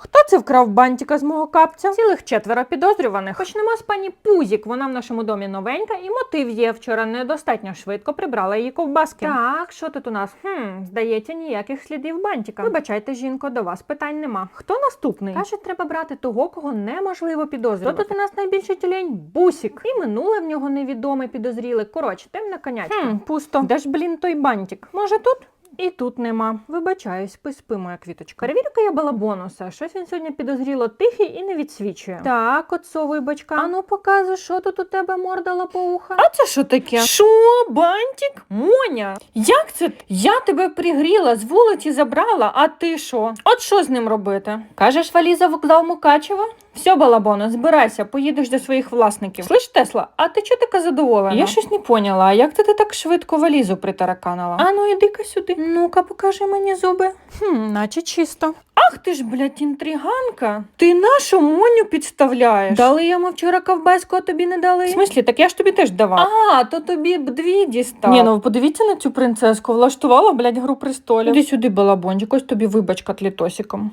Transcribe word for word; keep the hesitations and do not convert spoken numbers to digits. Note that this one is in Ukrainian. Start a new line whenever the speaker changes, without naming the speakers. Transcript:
Хто це вкрав бантика з мого капця? Цілих четверо підозрюваних. Почнемо з пані Пузік. Вона в нашому домі новенька і мотив є. Вчора недостатньо швидко прибрала її ковбаски. Так, що тут у нас? Хм, здається, ніяких слідів бантика. Вибачайте, жінко, до вас питань нема. Хто наступний? Каже, треба брати того, кого неможливо підозрювати. Хто тут у нас найбільший тюлень? Бусік. І минуле в нього невідоме підозріли. Коротше, темна конячка. Хм, пусто. Де ж, блін, той бантик? Може тут? І тут нема. Вибачаюсь, поспи, моя квіточка. Перевірю-ка я балабонуса. Щось він сьогодні підозріло тихий і не відсвічує. Так, отцовий бачка. Ану, показуй, що тут у тебе морда лопоуха. А це що таке? Що? Бантик? Моня? Як це? Я тебе пригріла, з вулиці забрала, а ти що? От що з ним робити? Кажеш, валіза вокзал Мукачева? Все, балабоно, збирайся, поїдеш до своїх власників. Слиш, Тесла, а ти чого така задоволена? Я щось не поняла, а як ти, ти так швидко валізу притараканила? А ну, іди-ка сюди. Ну-ка, покажи мені зуби. Хм, наче чисто. Ах ти ж, блядь, інтриганка. Ти нашу Моню підставляєш? Дали йому вчора ковбаску, а тобі не дали? В смислі, так я ж тобі теж давав. А, то тобі б дві дістав. Ні, ну подивіться на цю принцеску, влаштувала, блядь, гру престолів. Іди сюди, балабончик, ось тобі вибачка тлітосиком.